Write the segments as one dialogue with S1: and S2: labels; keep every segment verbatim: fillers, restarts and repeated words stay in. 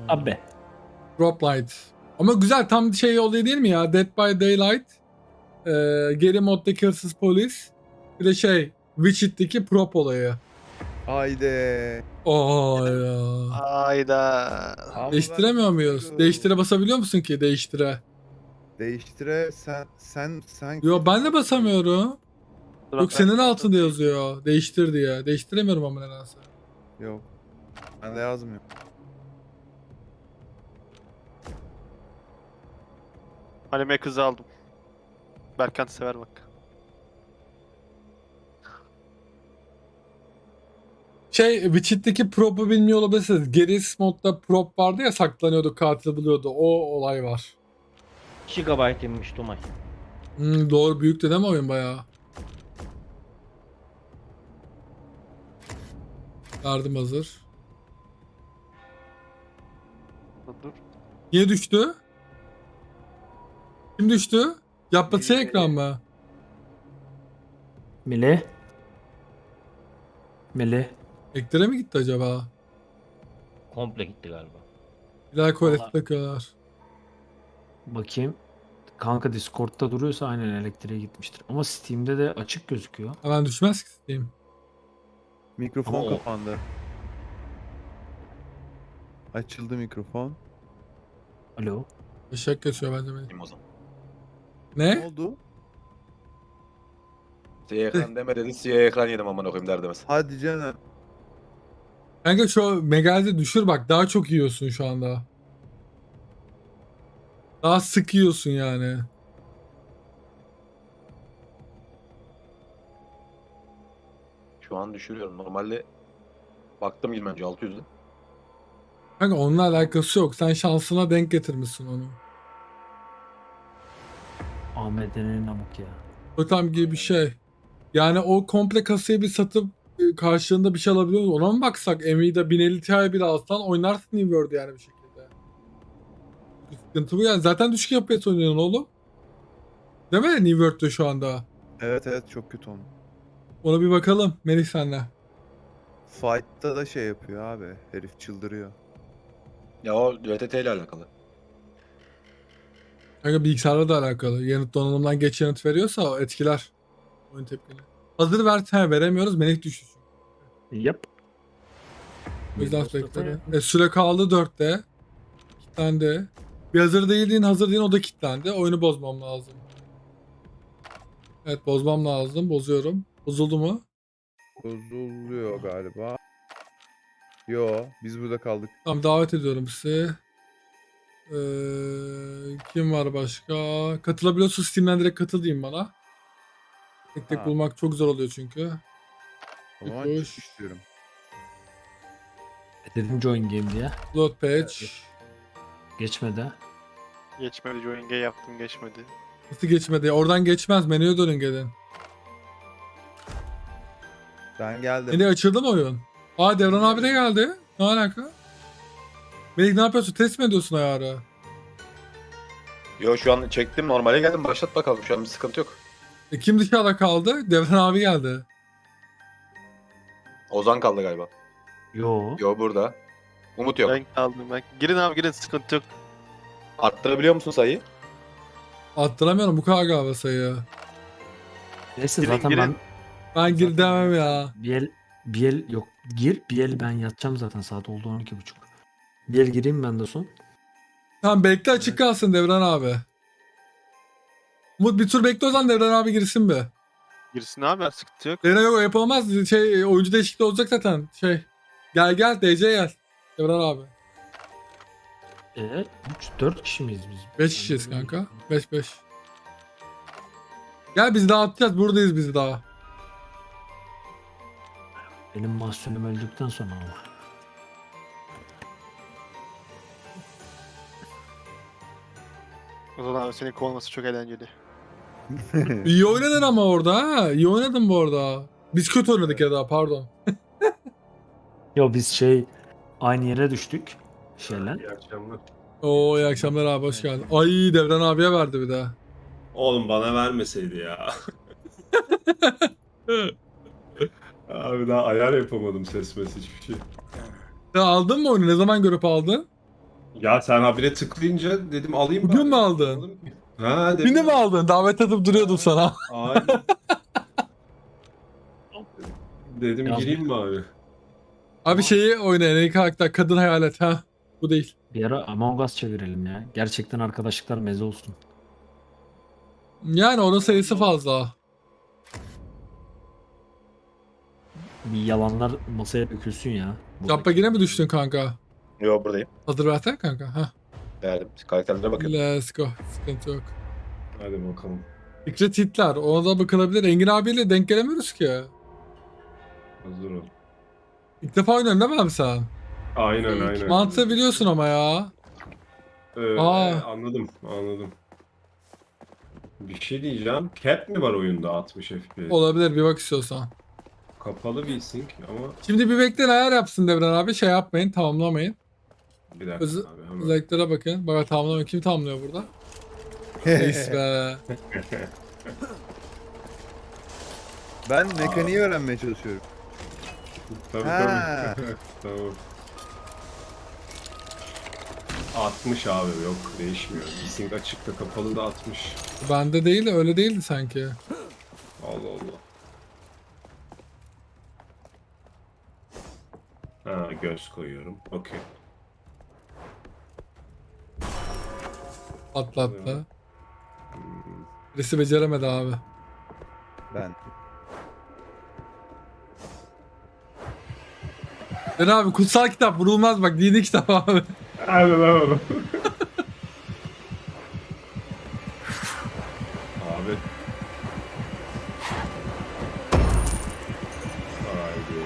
S1: Abi.
S2: Drop Light. Ama güzel, tam şey olayı değil mi ya? Dead by Daylight. Ee, geri moddaki hırsız polis. Bir de şey Witcher'daki prop olayı.
S3: Haydi.
S2: Aa ya.
S4: Hayda.
S3: Ama
S2: Değiştiremiyor
S3: ben
S2: muyuz?
S3: istiyorum.
S2: Değiştire basabiliyor musun ki değiştire?
S3: Değiştire sen sen sen.
S2: Yo ben de basamıyorum.
S4: Dur,
S2: Yok
S4: ben-
S2: senin altında yazıyor. Değiştir diye. Değiştiremiyorum ama nedense.
S3: Yok. Ben de yazmıyor.
S4: Halime kızı aldım. Berkant sever bak.
S2: Şey Witcher'daki prop'u bilmiyor olabilirsiniz. Geris modda prop vardı ya, saklanıyordu, katil buluyordu. O olay var.
S1: Gigabyte inmiş Tomay.
S2: Hmm, doğru, büyüktü değil mi oyun bayağı? Yardım hazır.
S4: Dur dur.
S2: Niye düştü? Kim düştü? Yapması
S1: Melih,
S2: ekran
S1: Melih.
S2: mı?
S1: Melih. Melih.
S2: Eklere mi gitti acaba?
S1: Komple gitti galiba.
S2: Bir daha kolekte
S1: Vallahi-
S2: takıyorlar.
S5: Bakayım. Kanka Discord'da duruyorsa aynen elektriğe gitmiştir. Ama Steam'de de açık gözüküyor.
S2: Hemen düşmez ki Steam.
S3: Mikrofon
S5: Ama o-
S3: kapandı. Açıldı mikrofon.
S5: Alo.
S2: Eşek geçiyor bence benim.
S6: O zaman.
S3: Ne
S2: Ne?
S3: oldu?
S6: Siyah ekran deme dedi, siyah ekran yedim aman okuyayım derdimiz.
S3: Hadi canım.
S2: Kanka şu Megal'i düşür bak, daha çok yiyorsun şu anda. Daha sık yiyorsun yani.
S6: Şu an düşürüyorum. Normalde baktım ilk önce altı yüzde.
S2: Kanka onunla alakası yok. Sen şansına denk getirmişsin onu.
S5: Ahmet'in namık ya.
S2: Totem gibi bir şey. Yani o komple kasayı bir satıp e, karşılığında bir şey alabiliyor musun? Ona mı baksak? Nvidia bin elli Ti bile alsan oynarsın New World yani bir şekilde. Sıkıntı bu yani. Zaten düşük F P S oynuyorsun oğlum. Değil mi New World'da şu anda?
S3: Evet evet çok kötü oldu.
S2: Ona bir bakalım Melih senle.
S3: Fight'ta da şey yapıyor abi. Herif çıldırıyor.
S6: Ya o R T T ile alakalı.
S2: Kanka bilgisayarla da alakalı. Yanıt donanımdan geç yanıt veriyorsa o etkiler oyun tepkini. Hazır ver, he, veremiyoruz. Melih düştü çünkü.
S5: Yap.
S2: O yüzden sürekli. E, süre kaldı dörtte. Kilitlendi. Bir hazır değildiğin hazır değil, o da kilitlendi. Oyunu bozmam lazım. Evet, bozmam lazım. Bozuyorum. Bozuldu mu?
S3: Bozuluyor galiba. Yo biz burada kaldık.
S2: Tamam, davet ediyorum sizi. Ee, kim var başka? Katılabiliyorsun, Steam'den direkt katıl diyeyim bana. Tek tek
S3: Ha.
S2: bulmak çok zor oluyor çünkü.
S3: O zaman
S2: Hoş.
S3: çık istiyorum.
S5: Dedim join game diye.
S2: Load page.
S5: Geçmedi.
S4: Geçmedi, join G yaptım geçmedi.
S2: Nasıl geçmedi? Oradan geçmez. Menüye dönün gelin.
S3: Ben geldim.
S2: Menü açıldı mı oyun? Aa, Devran abi de geldi. Ne alaka? Melih ne yapıyorsun? Test mi ediyorsun ayarı?
S6: Yo şu an çektim, normale geldim, başlat bakalım, şu an bir sıkıntı yok.
S2: E, kim dışarıda kaldı? Devran abi geldi.
S6: Ozan kaldı galiba.
S5: Yo.
S6: Yo burada. Umut yok.
S4: Ben kaldım ben. Girin abi girin, sıkıntı yok.
S6: Arttırabiliyor musun sayıyı?
S2: Attıramıyorum bu kadar galiba sayı.
S5: Neyse
S4: Girin,
S5: zaten
S4: girin.
S5: ben
S2: Ben gir
S5: zaten
S2: demem
S5: ben-
S2: ya.
S5: Bir el, bir el yok. Gir bir el ben yatacağım zaten, saat oldu on iki buçuk. Bir el gireyim ben de son.
S2: Tamam, bekle açık kalsın Devran abi. Umut bir tur bekle, o zaman Devran abi girsin bir.
S4: Girsin abi, sıkıntı yok.
S2: Devran yok, yapamaz. Şey, oyuncu değişikliği olacak zaten. Şey. Gel gel D C gel. Devran abi.
S5: E, üç dört kişi miyiz biz?
S2: beş kişiyiz kanka. beş beş. Gel biz dağıtacağız. Buradayız biz daha.
S5: Benim mahsulüm öldükten sonra ama.
S4: O zaman abi senin kovulması çok eğlenceli.
S2: İyi oynadın ama orada ha. İyi oynadın bu arada. Biz kötü oynadık ya da, pardon.
S5: Yo biz şey aynı yere düştük. Şeyler.
S7: İyi akşamlar.
S2: Oo, iyi akşamlar abi, hoş geldin. Ay, Devran abiye verdi bir daha.
S7: Oğlum bana vermeseydi ya. Abi daha ayar yapamadım ses mes hiçbir şey.
S2: Sen aldın mı oyunu? Ne zaman görüp aldın?
S7: Ya sen habire tıklayınca dedim alayım
S2: Bugün
S7: bari.
S2: mü aldın?
S7: Almadım ki. Ha dedim.
S2: Beni mi aldın? Davet atıp duruyordum sana.
S7: Aynen. Dedim
S5: Yaz-
S7: gireyim bari.
S2: Abi şeyi oynayın. En karakter kadın hayalet ha. Bu değil.
S5: Bir ara Among Us çevirelim ya. Gerçekten arkadaşlıklar meze olsun.
S2: Yani onun sayısı fazla.
S5: Bir yalanlar masaya dökülsün ya.
S2: Yapma yine mi düştün kanka?
S6: Yo buradayım.
S2: Hazır versene kanka. Heh.
S6: Geldim. Karakterlere bakıyorum.
S2: Let's go. Sıkıntı yok.
S7: Hadi bakalım.
S2: Fikret Hitler. Ona da bakılabilir. Engin abiyle denk gelemiyoruz ki.
S7: Hazır ol.
S2: İlk defa oynuyorsun değil mi abi sen?
S7: Aynen aynen.
S2: Mantığı biliyorsun ama ya.
S7: Ee,
S2: Aa.
S7: Anladım anladım. Bir şey diyeceğim. Cap mi var oyunda altmış F P S?
S2: Olabilir bir bak istiyorsan.
S7: Kapalı bir sync ama
S2: Şimdi bir bekleyin ayar yapsın Devran abi. Şey yapmayın tamamlamayın.
S7: bir dakika
S2: Öz-
S7: abi hemen.
S2: Özelliklere bakın. Bak tamamlamayın. Kim tamamlıyor burada? Reis be.
S3: Ben mekaniği öğrenmeye çalışıyorum.
S7: Tabii
S3: Ha.
S7: tabii. Tamam. altmış abi yok değişmiyor. Sync açıkta kapalı da altmış.
S2: Bende değil de öyle değildi sanki.
S7: Allah Allah. Ha göz koyuyorum. Okey.
S2: Atlattı. Birisi beceremedi abi.
S3: Ben.
S2: Ben abi kutsal kitap vurulmaz bak dini kitap abi.
S7: Hadi lan oğlum. Abi. Haydi.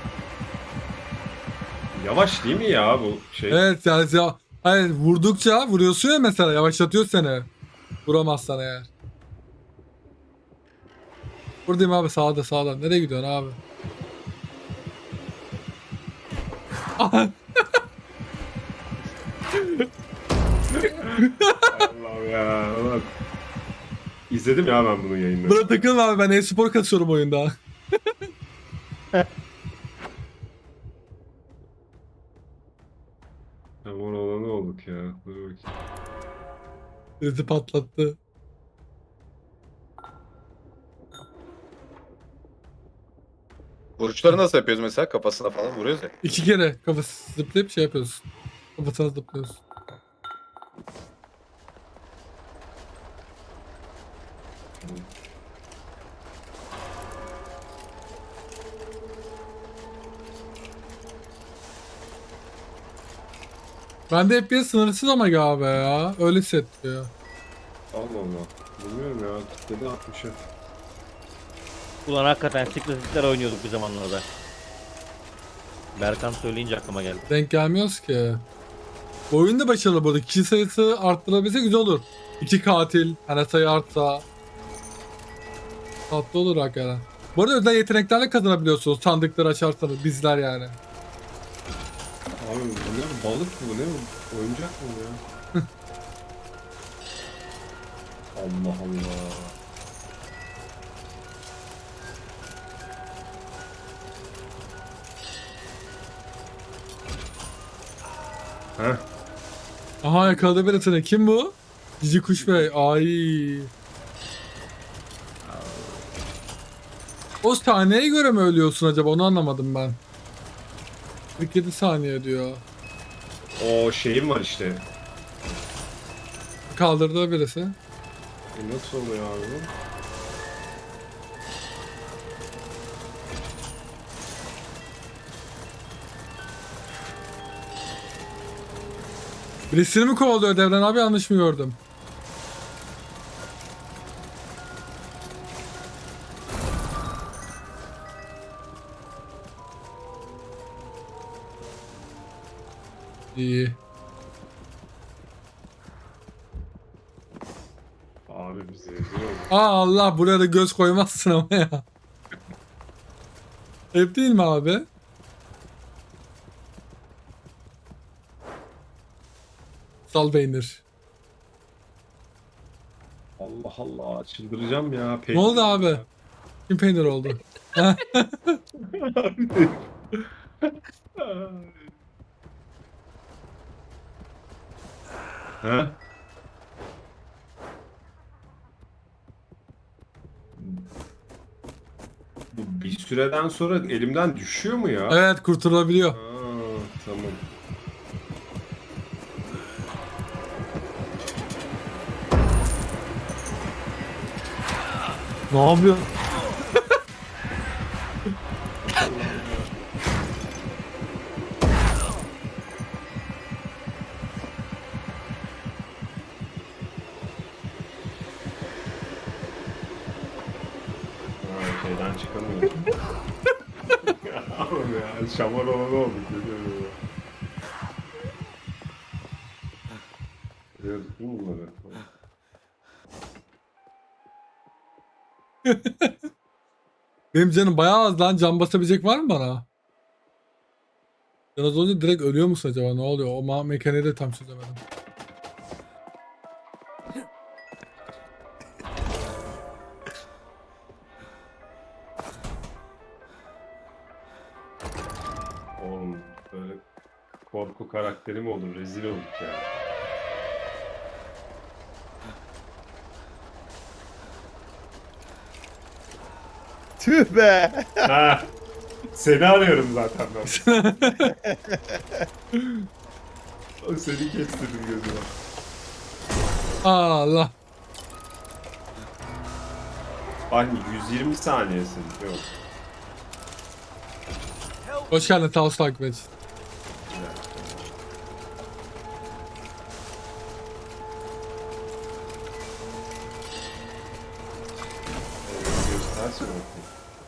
S7: Yavaş değil mi ya bu şey?
S2: Evet yani ya, hayır, vurdukça vuruyorsun ya mesela yavaşlatıyor seni. Vuramazsan eğer. Buradayım abi sağda sağda. Nereye gidiyorsun abi?
S7: Allah'ım ya. Ulan. İzledim ya ben bunun yayınını.
S2: Buna takılma abi ben e-spor kasıyorum oyunda.
S7: Aman olanı olduk ya. Dur bakayım.
S2: Birisi patlattı.
S6: Vuruşları nasıl yapıyoruz mesela? Kafasına falan vuruyoruz ya.
S2: İki kere kafası zıplayıp şey yapıyorsun. Kafasına zıplıyorsun. Bende F P S sınırsız ama galiba ya. Öyle hissettiriyor.
S7: Allah Allah. Bilmiyorum ya. Kitledi altmışa.
S1: Ulan hakikaten Secret oynuyorduk bir zamanlarda. Berkan söyleyince aklıma geldi.
S2: Denk gelmiyoruz ki. Bu oyun da başarılı bu arada. Kişi sayısı arttırabilse güzel olur. İki katil, hani sayı artsa. Tatlı olur hakikaten. Bu arada özel yeteneklerle kazanabiliyorsunuz sandıkları açarsanız bizler yani.
S7: Abi bu ne? Balık mı bu ne? bu? Oyuncak mı bu ya? Allah Allah. Heh.
S2: Aha yakaladı birisini. Kim bu? Cici Kuş Bey. Ay. O saniyeye göre mi ölüyorsun acaba? Onu anlamadım ben. kırk yedi saniye diyor.
S7: O şeyim var işte.
S2: Kaldırdı birisi.
S7: E nasıl oluyor abi bu?
S2: Birisini mi kovalıyor Devran abi yanlış mı gördüm? İyi.
S7: Abi bizi eziyor.
S2: Aa Allah buraya da göz koymazsın ama ya. Hep değil mi abi? Sal beynir.
S7: Allah Allah çıldıracağım ya.
S2: Ne oldu abi? Kim peynir oldu?
S7: He? Bu bir süreden sonra elimden düşüyor mu ya?
S2: Evet, kurtulabiliyor.
S7: Aa, tamam.
S5: Ne yapıyorsun?
S7: Ha, şeyden çıkamıyorum. Oğlum ya, şamar olanı olduk. Görüyorum ya. Görüyorduk değil mi bunları?
S2: Benim canım bayağı az lan. Can basabilecek var mı bana? Biraz önce direkt ölüyor musun acaba? Ne oluyor? O ma mekaniği de tam çözemedim.
S7: Oğlum böyle korku karakteri mi olur? Rezil olduk ya.
S3: Tüh be.
S7: Ha, seni arıyorum zaten ben. Seni kestirdim gözüme.
S2: Allah.
S7: Bak yüz yirmi saniyesin. Yok.
S2: Hoş geldin Taos takip et.
S7: Göstersin bakayım.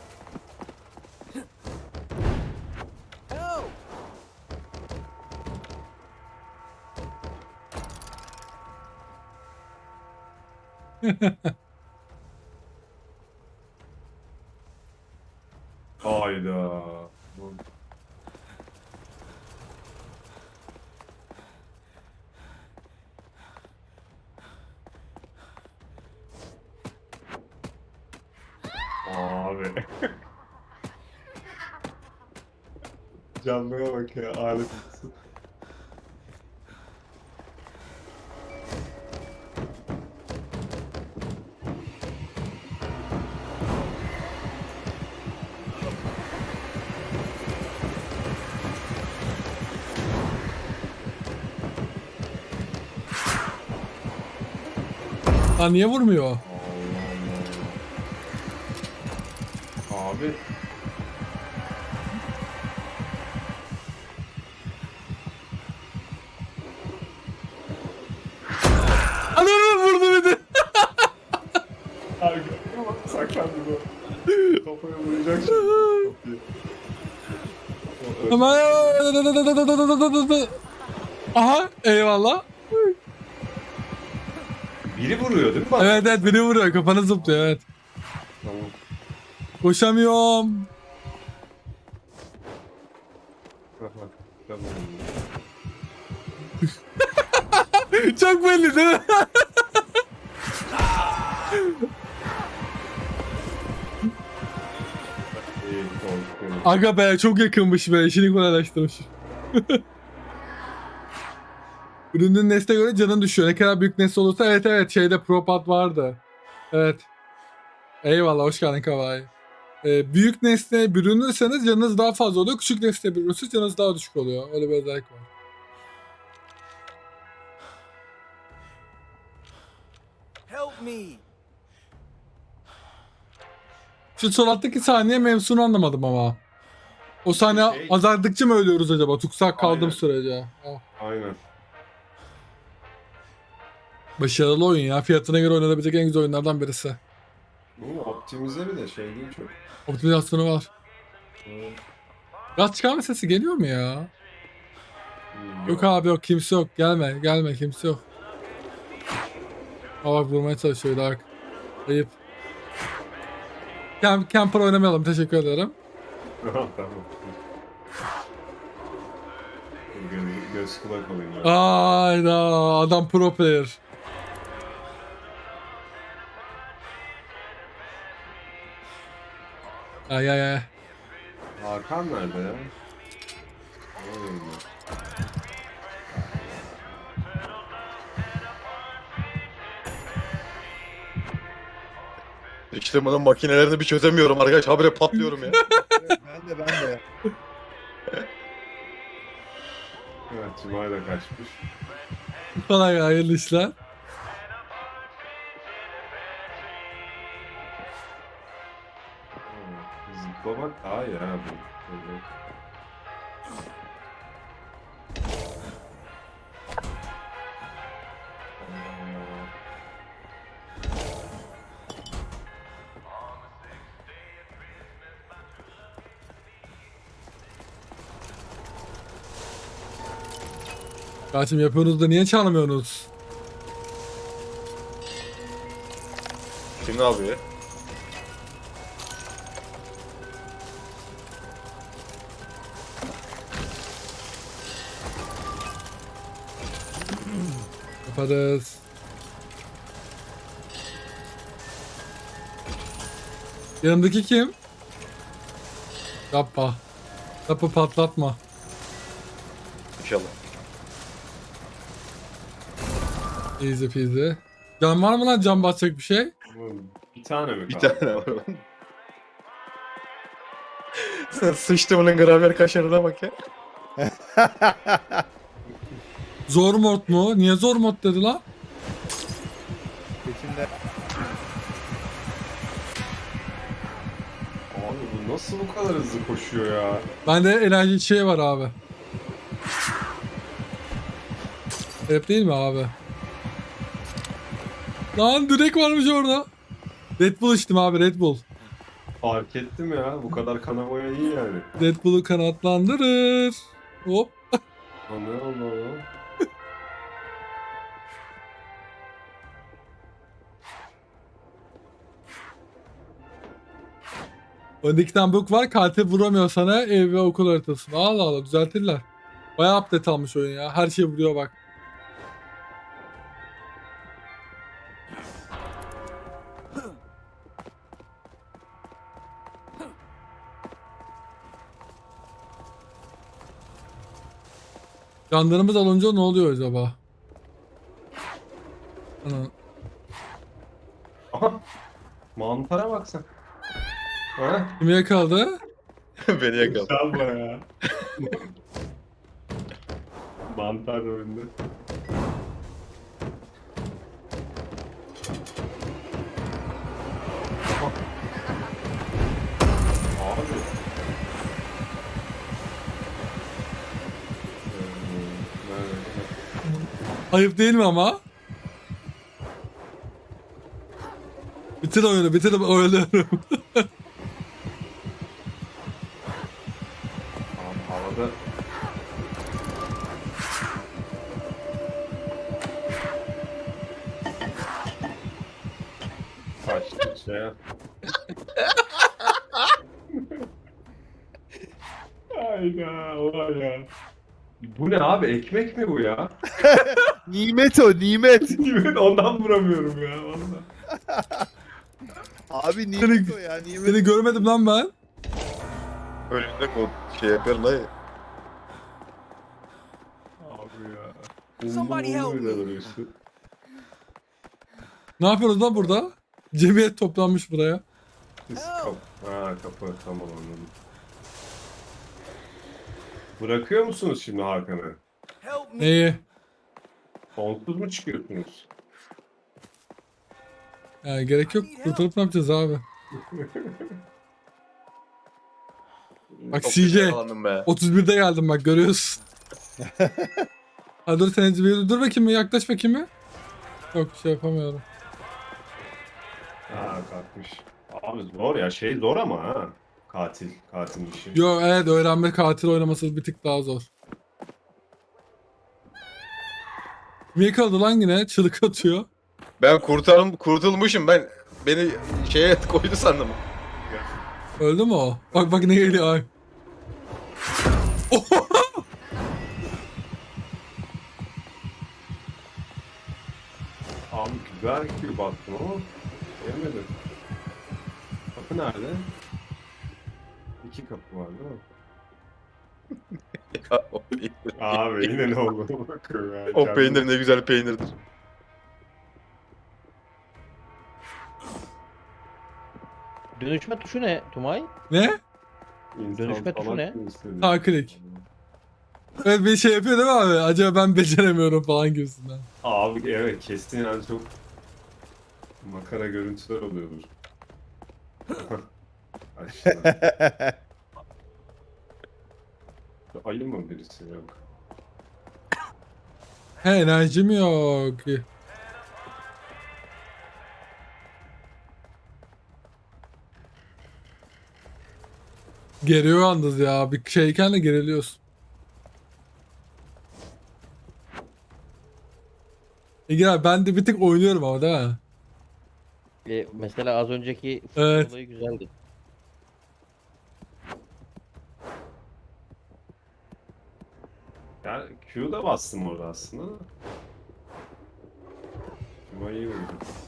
S7: Hayda. Bu- Abi. Canlıya bak ya, alet misin?
S2: Lan niye vurmuyor?
S7: Allah Allah. Abi.
S2: Ananı vurdu bir de.
S7: Abi saklandı bu. Kafaya vuracak şimdi. Kapıyı. O öldü.
S2: Hemen. Aha, eyvallah.
S7: Biri vuruyor değil mi bana?
S2: Evet evet, biri vuruyor, kafanı zıplıyor, evet.
S7: Tamam.
S2: Koşamıyorum.
S7: Tamam.
S2: Çok belli değil mi?
S7: İyi, korkuyorum.
S2: Aga be, çok yakınmış be, işini kolaylaştırmış. Ürünün nesne göre canın düşüyor. Ne kadar büyük nesne olursa, evet evet, şeyde Propad vardı. Evet. Eyvallah, hoş geldin Kavai. Ee, büyük nesneye bürünürseniz canınız daha fazla oluyor. Küçük nesneye bürünürseniz canınız daha düşük oluyor. Öyle bir özellik var.
S8: Help me.
S2: Şu sol alttaki saniye mevzunu anlamadım ama. O saniye
S7: Şey-
S2: azaldıkça mı ölüyoruz acaba? Tutsak kaldığım
S7: Aynen.
S2: sürece. Oh.
S7: Aynen.
S2: Başarılı oyun ya. Fiyatına göre oynanabilecek en güzel oyunlardan birisi.
S7: Bu optimize bir de şey değil çok.
S2: Optimizasyonu var.
S7: Evet.
S2: Gaz çıkarma sesi geliyor mu ya?
S7: Hmm,
S2: Yok abi, yok, kimse yok. Gelme gelme, kimse yok. Aa bak, vurmaya çalışıyor Dark. Ayıp. Camp, camper oynamayalım, teşekkür ederim.
S7: tamam. Göz, göz kulak olayım. ben.
S2: Ayda adam pro player. Ay ay ay.
S7: Hakan nerede ya? Oğlum ya.
S6: İşte bunun makinelerini bir çözemiyorum arkadaş. Habire patlıyorum ya.
S3: Ben de ben de.
S7: Evet, Cuma'ya da kaçmış.
S2: Kolay hayırlı işler.
S7: Hmm, Zıplamak daha iyi ha bu. Böyle. Aa,
S2: Kardeşim yapıyorsunuz da niye çalmıyorsunuz?
S6: Kim ne yapıyor?
S2: Yaparız. Yanımdaki kim? Yapma. Yapı patlatma.
S6: İnşallah.
S2: Easy peasy. Can var mı lan, can basacak bir şey?
S7: oğlum, bir tane mi
S6: Bir
S7: kaldı?
S6: tane var onun. Sen sıçtımının gramyer kaşarına bak ya.
S2: Zor mod mu? Niye zor mod dedi lan?
S3: Seçimde
S7: Abi bu nasıl bu kadar hızlı koşuyor ya?
S2: Bende enerji şey var abi. Hep değil mi abi? Lan direkt varmış orada. Red Bull içtim abi, Red Bull.
S7: Fark ettim ya. Bu kadar kanamaya iyi yani.
S2: Red Bull'u kanatlandırır. Hop.
S7: O ne oldu oğlum?
S2: Önde iki tane book var. Katil vuramıyor sana, ev ve okul haritasını. Allah Allah, düzeltirler. Bayağı update almış oyun ya. Her şey vuruyor bak. Canlarımız alınca ne oluyor acaba? Ana.
S7: Aha! Mantara bak sen. Ha?
S2: Kimi yakaladı?
S6: Beni yakaladı.
S7: Güzel baya. Mantar rolünde. Aha. Abi. Ee, nerede?
S2: Ayıp değil mi ama? Bitir oyunu, bitir oyunu.
S7: Abi havada kaçtı şey. Hayda ulan ya. Bu ne abi, ekmek mi bu ya?
S3: nimet o nimet.
S7: Evet, ondan vuramıyorum ya ondan.
S3: Abi nimet o ya nimet.
S2: Seni görmedim lan ben.
S6: Önünde o şey yapıyorum dayı.
S7: Abi ya.
S8: Somebody help
S7: Umlu
S8: me.
S7: öyle duruyorsun.
S2: Ne yapıyoruz lan burada? Cemiyet toplanmış buraya.
S7: Biz kap ha, kapı tamam anladım. Bırakıyor musunuz şimdi Hakan'ı?
S8: Help me.
S2: Neyi?
S7: Sonsuz mu çıkıyorsunuz?
S2: Yani gerek yok. Kurtarıp ne yapacağız abi? Bak
S6: Çok
S2: C J.
S6: güzel yakalandım be.
S2: otuz birde geldim bak, görüyorsun. Ha dur sen bir dur bakayım, bir yaklaş bakayım bir. Yok, şey yapamıyorum.
S7: Ha kalkmış. Abi zor ya, şey zor ama ha. Katil, katil işi.
S2: Yo evet, öğrenme katil oynaması bir tık daha zor. Niye kaldı lan yine? Çığlık atıyor.
S6: Ben kurtarım, kurtulmuşum ben. Beni şeye koydu sandım.
S2: Öldü mü o? Bak bak ne geliyor ay.
S7: Abi güzel Q baktım ama yemedim. Kapı nerede? İki kapı var değil mi?
S6: Ya, o peynir.
S7: Abi yine ne oldu bakıyorum ya.
S6: O
S7: Kendim-
S6: peynir ne güzel peynirdir.
S1: Dönüşme tuşu ne Tumay?
S2: Ne?
S7: İnsan
S1: Dönüşme tuşu
S7: falan
S1: ne?
S7: kim istedi?
S2: Sağ klik. Evet bir şey yapıyor değil mi abi? Acaba ben beceremiyorum falan gibisinden.
S7: Abi evet kesin yani çok makara görüntüler oluyordur. Aşağı. Ayı mı birisi yok?
S2: He enerjim yok. Geriyor yalnız ya. Bir şeyken de geriliyorsun. Ege abi ben de bir tık oynuyorum ama değil mi?
S1: E, mesela az önceki
S2: Evet.
S1: olayı güzeldi.
S7: Ya Q'da bastım orada aslında da. Ama iyi oldu.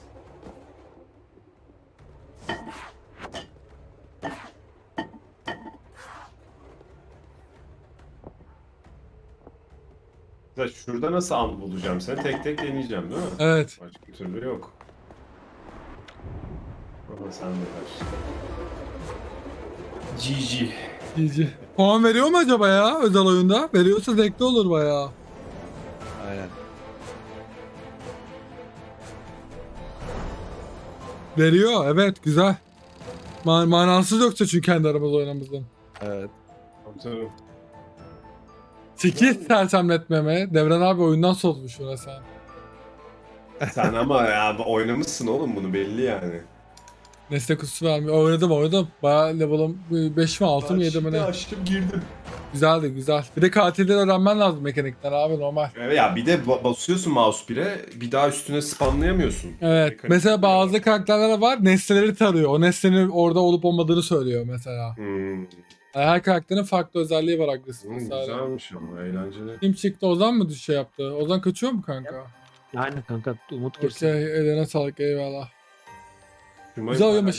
S7: Mesela şurada nasıl an bulacağım seni? Tek tek deneyeceğim değil mi?
S2: Evet.
S7: Başka türlü yok. Ama sen de kaç. G G.
S2: G G. Puan veriyor mu acaba ya özel oyunda? Veriyorsa zevkli olur bayağı.
S3: Aynen.
S2: Veriyor evet güzel. Ma manasız yoksa çünkü kendi aramızda oynamızdan.
S3: Evet.
S7: Tabii tabii.
S2: sekiz sersemletmeme. Devran abi oyundan soğutmuş buna sen.
S7: Sen ama ya oynamışsın oğlum bunu belli yani.
S2: Nesne kutusu vermiyor. Oynadım oynadım. Bayağı level'ım beş mi altı mı yedi mi ne?
S7: açtım girdim.
S2: Güzeldi güzel. Bir de katilleri öğrenmen lazım mekanikten abi normal.
S7: Evet ya bir de ba- basıyorsun mouse bire bir daha üstüne spamlayamıyorsun.
S2: Evet.
S7: Mekanik
S2: Mesela
S7: oluyor.
S2: bazı karakterler var nesneleri tarıyor. O nesnenin orada olup olmadığını söylüyor mesela.
S7: Hmm.
S2: Yani her karakterin farklı özelliği var agresif
S7: Hmm,
S2: vesaire.
S7: güzelmiş ama eğlenceli.
S2: Kim çıktı Ozan mı şey yaptı? Ozan kaçıyor mu kanka?
S5: Aynen kanka Umut kesin.
S2: Okey eline sağlık eyvallah.
S7: Cuma
S2: Güzel oyun
S7: hala